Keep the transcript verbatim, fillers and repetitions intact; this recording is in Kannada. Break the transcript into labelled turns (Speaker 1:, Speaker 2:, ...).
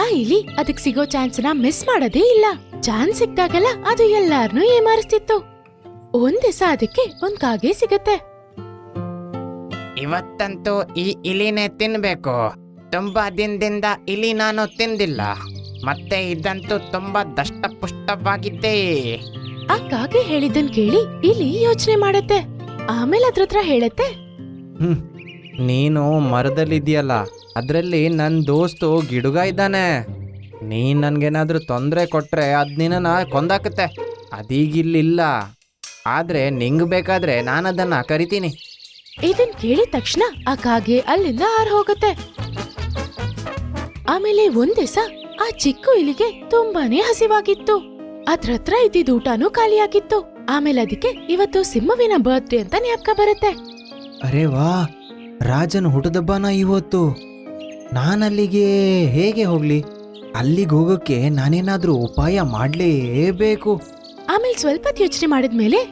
Speaker 1: ಆ ಇಲಿ ಅದಕ್ ಸಿಗೋ ಚಾನ್ಸ್ನ ಮಿಸ್ ಮಾಡೋದೇ ಇಲ್ಲ. ಚಾನ್ಸ್ ಸಿಕ್ತಾಗೆಲ್ಲ ಅದು ಎಲ್ಲಾರ್ನೂ ಏಮಾರಿಸ್ತಿತ್ತು. ಒಂದ್ ದಿವಸ ಅದಕ್ಕೆ ಒಂದ್ ಕಾಗೆ ಸಿಗತ್ತೆ.
Speaker 2: ಇವತ್ತಂತೂ ಈ ಇಲಿನೇ ತಿನ್ಬೇಕು. ತುಂಬಾ ದಿನದಿಂದ ಇಲಿ ನಾನು ತಿಂದಿಲ್ಲ. ಮತ್ತೆ ಇದಂತೂ ತುಂಬಾ ದಷ್ಟಪುಷ್ಟವಾಗಿದ್ದೆ.
Speaker 1: ಆ ಕಾಗೆ ಹೇಳಿದ್ದನ್ ಕೇಳಿ ಇಲಿ ಯೋಚನೆ ಮಾಡತ್ತೆ. ಆಮೇಲೆ ಅದ್ರ ಹತ್ರ ಹೇಳತ್ತೆ,
Speaker 3: ಹ್ಮ್ ನೀನು ಮರದಲ್ಲಿದ್ಯಲ್ಲ, ಅದ್ರಲ್ಲಿ ನನ್ ದೋಸ್ತು ಗಿಡುಗ ಇದ್ದಾನೆ. ನೀನ್ ನನ್ಗೇನಾದ್ರೂ ತೊಂದರೆ ಕೊಟ್ರೆ ಅದ್ ನಿನ್ನ ಕೊಂದಾಕತ್ತೆ. ಅದೀಗಿಲ್ಲಿಲ್ಲ, ಆದ್ರೆ ನಿಂಗ್ ಬೇಕಾದ್ರೆ ನಾನು ಅದನ್ನ ಕರಿತೀನಿ.
Speaker 1: ಇದನ್ ಕೇಳಿದ ತಕ್ಷಣ ಆ ಕಾಗೆ ಅಲ್ಲಿಂದ ಹಾರ್ ಹೋಗತ್ತೆ. ಆಮೇಲೆ ಒಂದ್ ದಿವಸ ಆ ಚಿಕ್ಕ ಇಲಿಗೆ ತುಂಬಾನೇ ಹಸಿವಾಗಿತ್ತು. ಅದ್ರ ಹತ್ರ ಇದ್ದಿದ್ದ ಊಟನೂ ಖಾಲಿಯಾಗಿತ್ತು. ಆಮೇಲೆ ಅದಕ್ಕೆ ಇವತ್ತು ಸಿಂಹವಿನ ಬರ್ತ್ಡೇ ಅಂತ ಜ್ಞಾಪಕ ಬರುತ್ತೆ.
Speaker 3: ಅರೆ ವಾ, ರಾಜನ ಹುಟ್ಟದಬ್ಬನ ಇವತ್ತು. ನಾನಲ್ಲಿಗೆ ಹೇಗೆ ಹೋಗ್ಲಿ? ಅಲ್ಲಿಗೆ ಹೋಗೋಕ್ಕೆ ನಾನೇನಾದ್ರೂ ಉಪಾಯ ಮಾಡ್ಲೇಬೇಕು.
Speaker 1: ಆಮೇಲೆ ಸ್ವಲ್ಪ ಯೋಚನೆ ಮಾಡಿದ್ಮೇಲೆ